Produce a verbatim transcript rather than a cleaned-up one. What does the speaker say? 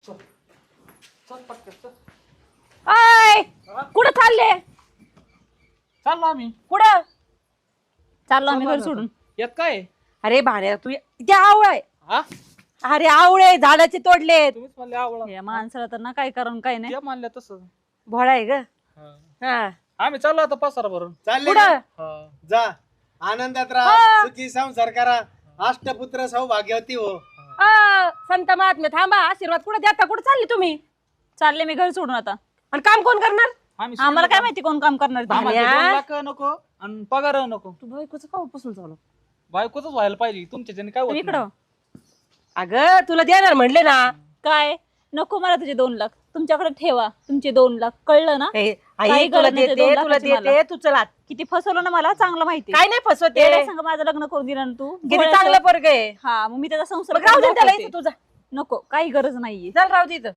अय कुठं चालले? चाललो आम्ही. कुठं चाललो आम्ही चाललो घर सोडून? यात काय अरे भाड्या तू ते आवळ आहे. हा अरे आवळे झाडाचे तोडलेत. तुम्हीच म्हणले आवळा. या माणसाला तर ना काय करून काय नाही. ते म्हणले तसं. भोळा आहे ग. हा. हा आम्ही चाललो आता पसारा भरून. चालले कुठं? का? जा आनंदात राहा, हा. सुखी संसार करा, अष्टपुत्र सौभाग्यवती हो. अ, संत महात्मे थांबा, आशीर्वाद कुठे देता? कुठे चालले तुम्ही? चालले मी घर सोडून आता. आणि काम कोण करणार? आम्ही आम्हाला काय माहिती कोण काम करणार ते. आम्हाला ते भाड्या. दोन लाख नको आणि पगार नको. तू बायकोचं का पासून चालू? बायकोच व्हायला पाहिजे तुमच्या ज्याने काय होत इकडं नाही. अगं तुला देणार म्हणले ना. काय नको मला तुझे दोन लाख तुमच्याकडे ठेवा. तुमचे दोन लाख कळलं ना? ए, काही आई तुला गरज नाही ते देते दोन तुला लाखाची मला. देते तू चला. किती फसवलं ना मला चांगलं माहिती. काय नाही फसवते. तेवढ्या संग माझं लग्न करून दिलं ना तू. किती भोळ्याचं. चांगलं पोरग आहे. हा मग मी त्याचा संसार मग राहू दे करून त्याला दाखवते. इथं तुझा. नको काही गरज नाहीये. चल राहू दे इथं.